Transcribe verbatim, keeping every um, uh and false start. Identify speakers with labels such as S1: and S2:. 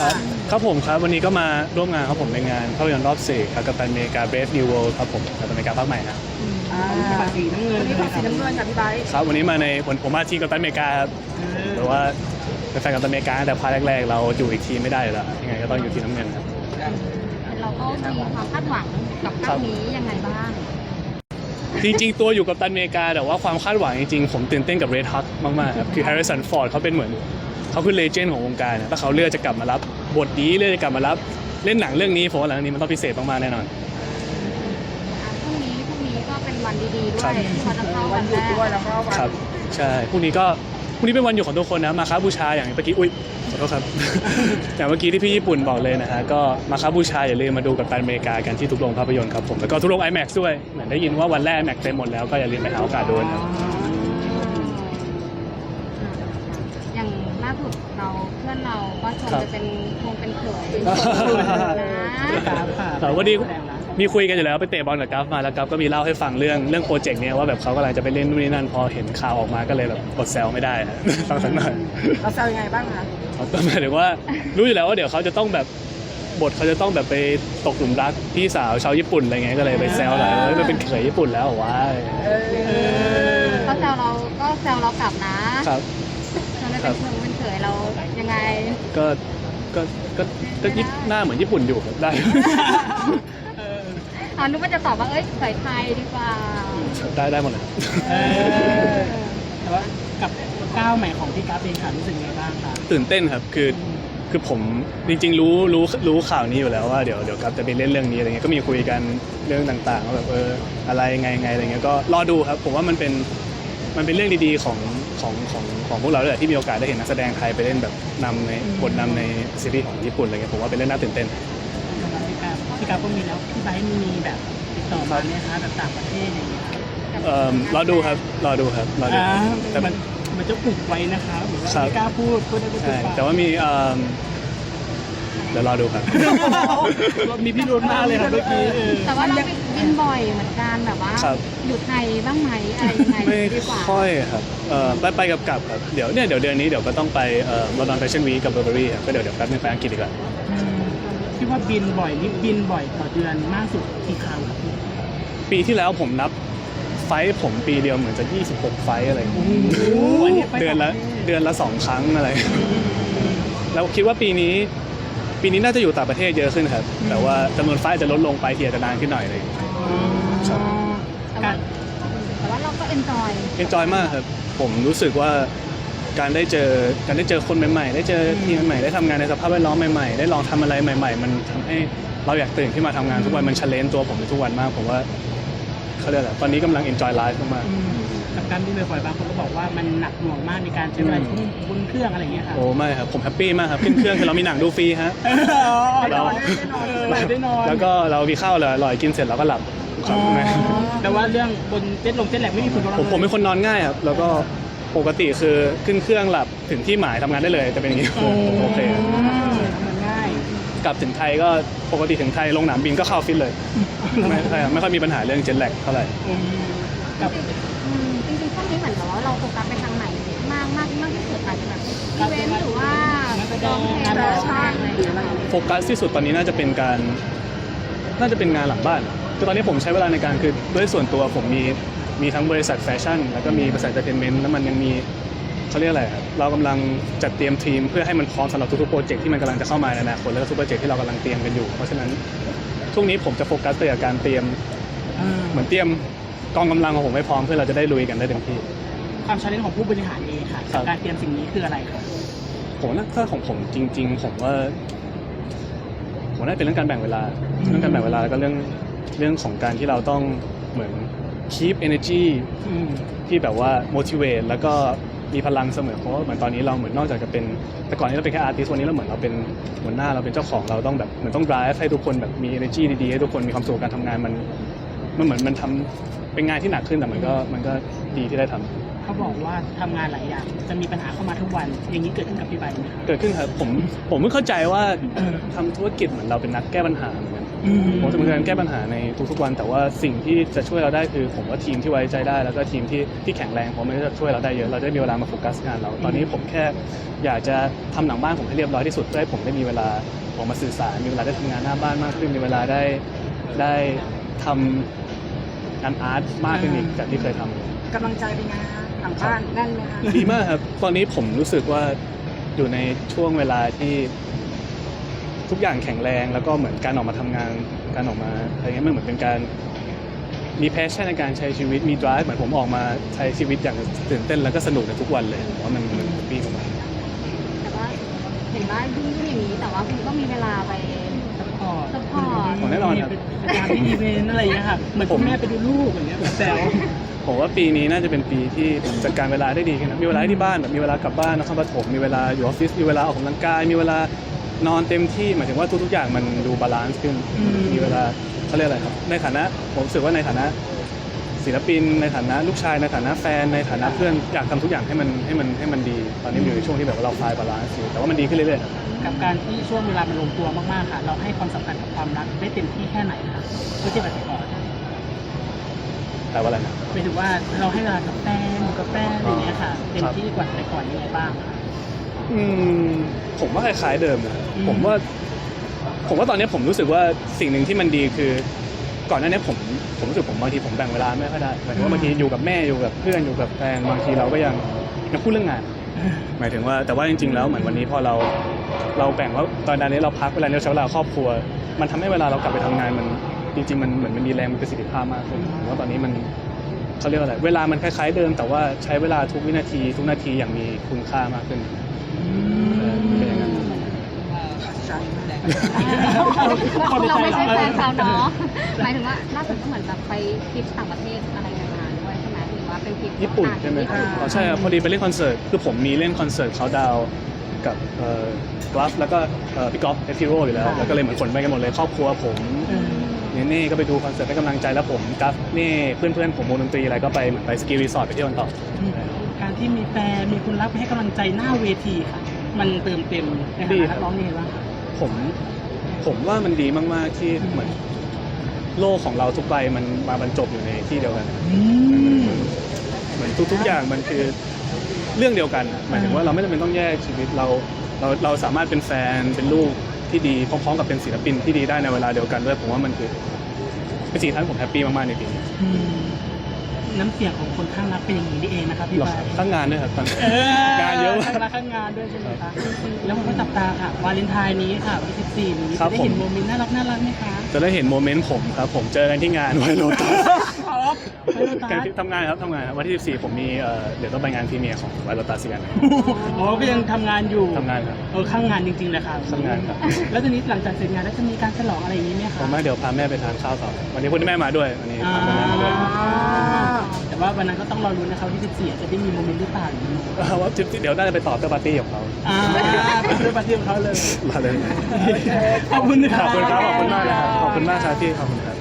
S1: ครับครับผมครับวันนี้ก็มาร่วมงานครับผมในงานภาพยนตร์รอบสี่ครับกัปตันอเมริกา Brave New World ครับผมกัปตันอเมริกาภาคใหม่นะ
S2: อ่าสีน้ำเงินวันนี้สีน้ำเงินค่ะพี่ไบร์ท
S1: ครับวันนี้มาในผมผมมาทีมกัปตันอเมริกาครับแต่ว่าเป็นแฟนกัปตันอเมริกาแต่ภาคแรกๆเราอยู่อีกทีมไม่ได้แล้วยังไงก็ต้องอยู่ทีมน้ำเงินครับ
S3: เราก็มีความคาดหวังกับภาคนี้ยังไงบ้าง
S1: จริงๆตัวอยู่กับตันอเมริกาแต่ว่าความคาดหวังจริงๆผมตื่นเต้นกับเรดฮักมากๆครับคือแฮร์ริสันฟอร์ดเขาเป็นเหมือนเขาคือเลเจนด์ของวงการนะถ้าเขาเลือกจะกลับมารับบทนี้เลือกจะกลับมารับเล่นหนังเรื่องนี้ผมว่าหลังนี้มันต้องพิเศษมากๆแน่นอน
S3: พรุ่งนี้พรุ่งนี้ก็เป็นวันดีๆด้วยที่เขาจะเข้า
S2: วั
S3: วัน น
S2: หยุ
S3: แร
S2: ดด้วยแล้วก็วัน
S1: ครับใช่พรุ่งนี้ก็พรุ่งนี้เป็นวันหยุดของทุกคนนะมาค้าบูชาอย่างเมื่อกี้อุ้ยขอโทษครับ อย่างเมื่อกี้ที่พี่ญี่ปุ่นบอกเลยนะฮะก็มาค้าบูชาอย่าลืมมาดูกับตันอเมริกากันที่ทุกโรงภาพยนตร์ครับผมแล้วก็ทุกโรง ไอแม็กซ์ ด้วยเหมือนได้ยินว่าวันแรก ไอแม็กซ์ เต็มหมดแล้วก็อย่าลืมไปหาโอกาสดูนะครับ
S3: อย่างล่าสุดเราเพื่อนเราก็ชวนไปเป็นคงเป็นเขยนะ
S1: วันนี้มีคุยกันอยู่แล้วไปเตะบอลกับกัฟมาแล้วกัฟก็มีเล่าให้ฟังเรื่องเรื่องโปรเจกต์เนี้ยว่าแบบเขากำลังจะไปเล่นนู่นนี่นั่นพอเห็นข่าวออกมาก็เลยแบบกดแซวไม่ได้นะฟังสักหน่อย
S2: เราแซวยังไงบ้างคะ
S1: ก็หมายถึงว่ารู้อยู่แล้วว่าเดี๋ยวเขาจะต้องแบบบทเขาจะต้องแบบไปตกหลุมรักพี่สาวชาวญี่ปุ่นอะไรเงี้ยก็เลยไปแซวหน่อยว่าเป็นเขยญี่ปุ่นแล้วว้าย
S3: เขาแซวเราก็แซวเรากลับนะครับ ชวนไปเป็นเขยเป็นเขยเรายังไง
S1: ก็ก็ก็ก็ยิบหน้าเหมือนญี่ปุ่นอยู่ครับได้
S3: ตอนนู้นก็จะตอบว่าเอ้ยเขยไทยดีกว่า
S1: ได้ได้หมดเลย
S2: แต่ว่ากับก้าวใหม่ของพี่กัฟเองค่ะรู้สึกยังไงบ้างคะ
S1: ตื่นเต้นครับคือคือผมจริงๆรู้รู้รู้ข่าวนี้อยู่แล้วว่าเดี๋ยวเดี๋ยวกัฟจะไปเล่นเรื่องนี้อะไรเงี้ยก็มีคุยกันเรื่องต่างๆว่าแบบเอออะไรไงไงอะไรเงี้ยก็รอดูครับผมว่ามันเป็นมันเป็นเรื่องดีๆของของของของพวกเราเลยที่มีโอกาสได้เห็นนักแสดงไทยไปเล่นแบบนำในบทนำในซีรีส์ของญี่ปุ่นอะไรเงี้ยผมว่าเป็นเรื่องน่าตื่นเต้น
S2: พี่กัฟพี่กัฟก็มีแล้วพี่ไบร์ทมีแบบติดต่อมาไหมคะแบบต่างประเทศอย่างเงี้ย
S1: เอ่อรอดูครับรอดูครับรอดู
S2: แต่มันมันจะปลุกไว้นะคะเหมือนว่าไม่กล้าพูดพูดได้ไม่ถูกปาก
S1: แต่ว่ามีเอ่อเดี๋ยวรอดูครับ
S2: มีพี่รุนมากเลยครับเมื่อกี้
S3: แต่ว่าเราไปบินบ่อยเหมือนกันแบบว่าอยู่ไทยบ้างไหมอะไรยังไงดีกว่า
S1: ไม่ค่อยครับเอ่อไปไปกับกลับครับเดี๋ยวเนี่ยเดี๋ยวเดือนนี้เดี๋ยวก็ต้องไปเอ่อลอนดอนแฟชั่นวีคกับเบอร์เบอรี่ครับก็เดี๋ยวเดี๋ยวแป๊บนึงไปอังกฤษดีกว่า
S2: พี่ว่าบินบ่อยนี่บินบ่อยต่อเดือนมากสุดกี่ครั้งครับ
S1: ปีที่แล้วผมนับไฟท์ผมปีเดียวเหมือนจะยี่สิบหกไฟท์อะไรเดือนละเดือนละสองครั้งอะไรแล้วคิดว่าปีนี้ปีนี้น่าจะอยู่ต่างประเทศเยอะขึ้นครับแต่ว่าจำนวนไฟท์จะลดลงไปทีอาจจะนานขึ้นหน่อยเลย
S3: แต่ว่าเราก็เอนจอย
S1: เอนจอยมากครับผมรู้สึกว่าการได้เจอการได้เจอคนใหม่ๆได้เจอทีมใหม่ได้ทำงานในสภาพแวดล้อมใหม่ๆได้ลองทำอะไรใหม่ๆมันทำให้เราอยากตื่นขึ้นมาทำงานทุกวันมันเชลเลนตัวผมทุกวันมากผมว่าเขาเรียกอะไรตอนนี้กำลัง enjoy life มาก
S2: ๆกับการบินบ่อยๆบางคนก็บอกว่ามันหนักหน่วงมากในการใช้เวลาบนเครื่องอะไรอย่างเงี้ยครับ
S1: โอ้ไม่ครับผมแฮปปี้มากครับขึ้นเครื่องคือเรามีหนังดูฟรีฮะ
S2: เราได้นอน
S1: แล้วก็เรามีข้าวเลยอร่อยกินเสร็จเราก็หลับ
S2: แต่ว่าเรื่องบนเจ็ตลงเจ็ตแลกไม่มีผลกระทบ
S1: ผมผมเป็นคนนอนง่ายครับแล้วก็ปกติคือขึ้นเครื่องหลับถึงที่หมายทำงานได้เลยจะเป็นอย่างนี้โอเค
S2: ง่าย
S1: กลับถึงไทยก็ปกติถึงไทยลงหนามบินก็เข้าฟิตเลยไม่ใช่ไม่ค่อยมีปัญหาเรื่องเจ็ตแลกเท่าไหร่
S3: กับจริงๆช่วงนี้เหมือนกับว่าเราโฟกัสไปทางไหนมากมากมากที่สุดอาจจะแบบอีเวนต์หรือว่าร้องเพลงร้องเพลงอะไรอย่างเงี้ย
S1: โฟกัสที่สุดตอนนี้น่าจะเป็นการน่าจะเป็นงานหลังบ้านคือตอนนี้ผมใช้เวลาในการคือด้วยส่วนตัวผมมีมีทั้งบริษัทแฟชั่นแล้วก็มีบริษัทเอนเตอร์เทนเมนต์แล้วมันยังมีเขาเรียกอะไรครับเรากำลังจัดเตรียมทีมเพื่อให้มันพร้อมสำหรับทุกๆโปรเจกต์ที่มันกำลังจะเข้ามาในอนาคตแล้วก็ทุกโปรเจกต์ที่เรากำลังเตรียมกันอยู่เพราะฉะนั้นช่วงนี้ผมจะโฟกัสไปกับการเตรียมเหมือนเตรียมกองกำลังของผมให้พร้อมเพื่อเราจะได้ลุยกันได้เต็มที่
S2: ความชาเลนจ์ของผู้บริหารเองค่ะการเตรียมสิ่งนี้คืออะไรครับ
S1: ผมว่าถ้าของผมจริงๆผมว่าผมน่าเป็นเรื่องการแบ่งเวลาเรื่องการแบ่งเวลาแล้วก็เรื่องเรื่องของการที่เราต้องเหมือน keep energy ที่แบบว่า motivate แล้วก็มีพลังเสมอเพราะว่าเหมือนตอนนี้เราเหมือนนอกจากจะเป็นแต่ก่อนนี้เราเป็นแค่อาร์ติสต์วันนี้เราเหมือนเราเป็นหัวหน้าเราเป็นเจ้าของเราต้องแบบเหมือนต้อง drive ให้ทุกคนแบบมี energy ดีๆให้ทุกคนมีความสุขกับการทำงานมันมันเหมือนมันทำเป็นงานที่หนักขึ้นแต่มันก็มันก็ดีที่ได้ทำ
S2: เขาบอกว่าทำงานหลายอย่างจะมีปัญหาเข้ามาทุกวันอย่างนี้เกิดขึ้นกับพี่ใบไหมครับ
S1: เกิดขึ้นครับผมผมไม่เข้าใจว่าทำธุรกิจเหมือนเราเป็นนักแก้ปัญหาเหมือนกัน
S2: อืม
S1: ผมจะมีการแก้ปัญหาในทุกๆวัน แต่ว่าสิ่งที่จะช่วยเราได้คือผมว่าทีมที่ไว้ใจได้แล้วก็ทีมที่ที่แข็งแรงผมมันก็จะช่วยเราได้เยอะเราจะได้มีเวลามาโฟกัสงานเราตอนนี้ผมแค่อยากจะทำหลังบ้านผมให้เรียบร้อยที่สุดเพื่อให้ผมได้มีเวลาออกมาสื่อสารมีเวลาได้ทำงานหน้าบ้านมากขึ้นมีเวลาได้ได้ทำงานอาร์ตมากขึ้นอีกจากที่เคยทำ
S4: กำลังใจเป็นไงคะหลังบ้านแน่นไหมคะ
S1: ดีมากครับ ตอนนี้ผมรู้สึกว่าอยู่ในช่วงเวลาที่ทุกอย่างแข็งแรงแล้วก็เหมือนการออกมาทำงานการออกมาอะไรเงี้ยมันเหมือนเป็นการมีแพชชั่นในการใช้ชีวิตมี drive เหมือนผมออกมาใช้ชีวิตอย่างตื่นเต้นแล้วก็สนุกในทุกวันเลยผมว่ามันมันปีประมาณ
S3: แต่ว่าเห็นว่ายุ่งๆอย่างนี้แต่ว่าคุณก็มีเวลาไป
S2: ซัพพอร์ต
S3: ซัพพอร์ต
S1: ผมแน่นอนครับ
S2: เป็นการที่อีเวนต์อะไรอย่างเงี้ยค่ะเหมือนคุณแม่ไปดูลูกอย่างเงี้ยแบบแซว
S1: ผมว่าปีนี้น่าจะเป็นปีที่ผมจัดการเวลาได้ดีขึ้นนะมีเวลาที่บ้านแบบมีเวลากลับบ้านนครปฐมมีเวลาอยู่ออฟฟิศมีเวลาออกกำลังกายมีเวลานอนเต็มที่หมายถึงว่าทุกๆอย่างมันดูบาลานซ์ขึ้น
S2: อืม
S1: มีเวลาเขาเรียกอะไรครับในฐานะผมรู้สึกว่าในฐานะศิลปินในฐานะลูกชายในฐานะแฟนในฐานะเพื่อนอยากทำทุกอย่างให้มันให้มันให้มันดี ตอนนี้มันอยู่ในช่วงที่แบบว่าเราคลายบาลานซ์อยู่แต่ว่ามันดีขึ้นเรื่อยๆครับ
S2: กับการที่ช่วงเวลามันลงตัวมากๆค่ะ เราให้ความสำคัญกับความรักได้เต็มที่แค่ไหนคะเมื่อเทียบกับแต่ก่อน
S1: แต่ว่าอะไรนะ
S2: หมายถึงว่าเราให้เวลากับแฟนอยู่กับแฟนอะไรอย่างเงี้ยค่ะเต็มที่กว่าแต่ก่อนยังไงบ้างคะ
S1: อืมผมว่าคล้ายๆเดิมนะ
S2: อืม
S1: ผมว่าผมว่าตอนนี้ผมรู้สึกว่าสิ่งหนึ่งที่มันดีคือ ก่อนหน้านี้ผมผมรู้สึกผมบางทีผมแบ่งเวลาไม่ค่อยได้หมายถึงว่าบางทีอยู่กับแม่อยู่กับเพื่อนอยู่กับแฟนบางทีเราก็ยังยังพูดเรื่องงาน หมายถึงว่าแต่ว่าจริงๆแล้วเหมือนวันนี้พอเราเราแบ่งว่าตอนนี้เราพักเวลาเราใช้เวลาครอบครัว มันทำให้เวลาเรากลับไปทำงานมันจริงๆมันเหมือนมันมีแรงมีประสิทธิภาพมากขึ้นผมว่าตอนนี้มันเขาเรียกว่าอะไรเวลามันคล้ายๆเดิม แต่ว่าใช้เวลาทุกวินาที ทุกนาทีอย่างมีคุณค่ามากขึ้นเป็นอย่างนั้น
S3: เราไม่ใช่แฟนเขาเนาะหมายถึงว่าล่าสุดก็เหมือนแบบไปทริปต่างประเทศอะไรกันมาด้วยใช่ไหมหรือว่าเป็นทริป
S1: ญี่ปุ่นใช่ไหม
S3: ญี่ปุ่น
S1: อ๋อใช่ครับพอดีไปเล่นคอนเสิร์ตคือผมมีเล่นคอนเสิร์ตเขาดาวน์กับเอ่อกราฟแล้วก็เอ่อพี่ก๊อฟเอทิโร่อยู่แล้วแล้วก็เลยเหมือนขนไปกันหมดเลยครอบครัวผม เน่เน่ก็ไปดูคอนเสิร์ตให้กำลังใจแล้วผมกัฟเน่เพื่อนเพื่อนๆผมวงดนตรีอะไรก็ไปเหมือนไปสกีรีสอร์ทไปเที่ยวกันต่อ
S2: การที่มีแฟนมีคนรักให้กำลังใจหน้าเวทีค่ะ มันเติมเต็มในฐานะนักร้องนี่ว่า
S1: ผมผมว่ามันดีมากๆที่เหมือนโลกของเราทุกใบมันมาบรรจบอยู่ในที่เดียวกันเหมือนทุกๆอย่างมันคือเรื่องเดียวกันหมายถึงว่าเราไม่จำเป็นต้องแยกชีวิตเราเราเราสามารถเป็นแฟนเป็นลูกที่ดีพร้อมๆกับเป็นศิลปินที่ดีได้ในเวลาเดียวกันด้วยผมว่ามันคือเป็นสิ่งที่ผมแฮปปี้มากๆในปีนี้
S2: อืมน้ำเสียงของคนข้างรักเป็นอย่างนี้นี่เองนะครับพี่
S1: หรอ
S2: บาย
S1: ทั้งงานด้วยครับตอนนี้
S2: เออง
S1: านเยอะมาก
S2: ข้างรักข้างงานด้วยใช่ไหมคะแล้วมันก็จับตาค่ะวาเลนไทน์นี้ค่ะวันที่สิบสี่นี้
S1: ครั
S2: จะ
S1: บ
S2: ได้
S1: ผม
S2: เห็นโมเมนต์น่ารักน่ารักไหมคะ
S1: จะได้เห็นโมเมนต์ผมครับผมเจอกันที่งานไวโรตัส
S2: ครับไปโรตั
S1: การ
S2: ส
S1: ที่ทำงานครับทำงานครับวันที่สิบสี่ผมมีเอ่อเดี๋ยวต้องไปงานพรีเมียร์ของไวโรตัสกัน
S2: อ๋อก็ยังทำงานอยู่
S1: ทำงานครับ
S2: เออข้างงานจริงๆเลยค่ะ
S1: ทำงานครับ
S2: แล้วทีนี้หลังจากเสร็จงานแล้วจะมีการฉลองอะไรอย่างนี้ไหม
S1: ผ
S2: คะ
S1: มมาเดี๋ยวพาแม่ไปทานข้าวต่อวันนี้คุณแม่มาด้วยวันนี้
S2: อ่า
S1: พาคุณแม่มาด้วย
S2: แต่ว่าวันนั้นก็ต้องรอรุ้นนะคะวันที่สิบสี่จะได้มีโมเมนต์หรือเปล่า
S1: เออว่าจิ๊บเดี๋ยวน่าจะไปต่อเตอร์ปาร์ตี้ของเขา
S2: อ่าไปซื้อปาร์ตี้ของเขาเลย
S1: มาเลย
S2: ขอบคุณนะ
S1: ขอบคุณครับขอบคุณมากนะครับขอบคุณมากครับพี่ขอบคุณครับ